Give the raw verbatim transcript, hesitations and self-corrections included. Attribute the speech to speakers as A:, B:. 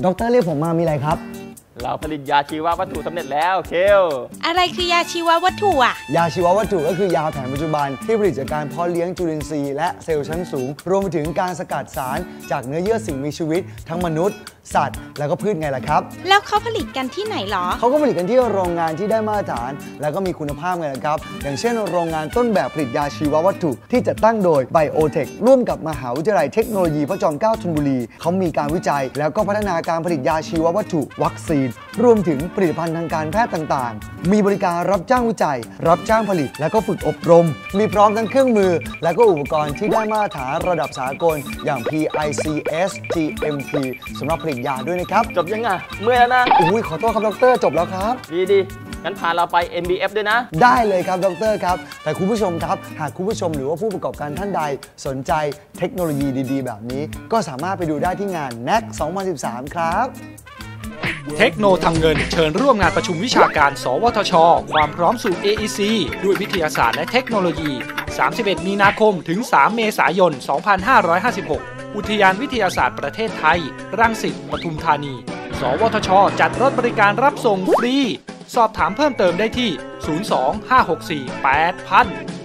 A: ดรเรียกผมมามีอะไรครับ
B: เราผลิตยาชีววัตถุสำเร็จแล้วเคล
C: อะไรคือยาชีววัตถุอ่ะ
A: ยาชีววัตถุก็คือยาแผนปัจจุบันที่ผลิตจากการเพาะเลี้ยงจุลินทรีย์และเซลล์ชั้นสูงรวมไปถึงการสกัดสารจากเนื้อเยื่อสิ่งมีชีวิตทั้งมนุษย์สัตว์แล้วก็พืชไงล่ะครับ
C: แล้วเขาผลิตกันที่ไหนหรอ
A: เขาก็ผลิตกันที่โรงงานที่ได้มาตรฐานแล้วก็มีคุณภาพไงล่ะครับอย่างเช่นโรงงานต้นแบบผลิตยาชีววัตถุที่จัดตั้งโดย Biotech ร่วมกับมหาวิทยาลัยเทคโนโลยีพระจอมเกล้าธนบุรีเขามีการวิจัยแล้วก็พัฒนาการผลิตยาชีววัตถุวัคซีนรวมถึงผลิตภัณฑ์ทางการแพทย์ต่างๆมีบริการรับจ้างวิจัยรับจ้างผลิตแล้วก็ฝึกอบรมมีพร้อมทั้งเครื่องมือและก็อุปกรณ์ที่ได้มาตรฐานระดับสากลอย่าง พี ไอ ซี เอส จี เอ็ม พี สำหรับผลิตยาด้วยนะครับ
B: จบยังไงเมื่อยแล้วนะ
A: อุ้ยขอโทษครับดรจบแล้วครับ
B: ดีดีงั้นพาเราไป เอ็ม บี เอฟ ด้วยนะ
A: ได้เลยครับดรครับแต่คุณผู้ชมครับหากคุณผู้ชมหรือว่าผู้ประกอบการท่านใดสนใจเทคโนโลยีดีๆแบบนี้ก็สามารถไปดูได้ที่งาน เน็กซ์ สองพันสิบสาม ครับ
D: เทคโนทำเงินเชิญร่วมงานประชุมวิชาการสวทช.ความพร้อมสู่ เอ อี ซี ด้วยวิทยาศาสตร์และเทคโนโลยี สามสิบเอ็ด มีนาคมถึง สาม เมษายน สองพันห้าร้อยห้าสิบหก อุทยานวิทยาศาสตร์ประเทศไทยรังสิต ปทุมธานี สวทช.จัดรถบริการรับส่งฟรีสอบถามเพิ่มเติมได้ที่ ศูนย์ สอง ห้า หก สี่ แปด ศูนย์ ศูนย์ ศูนย์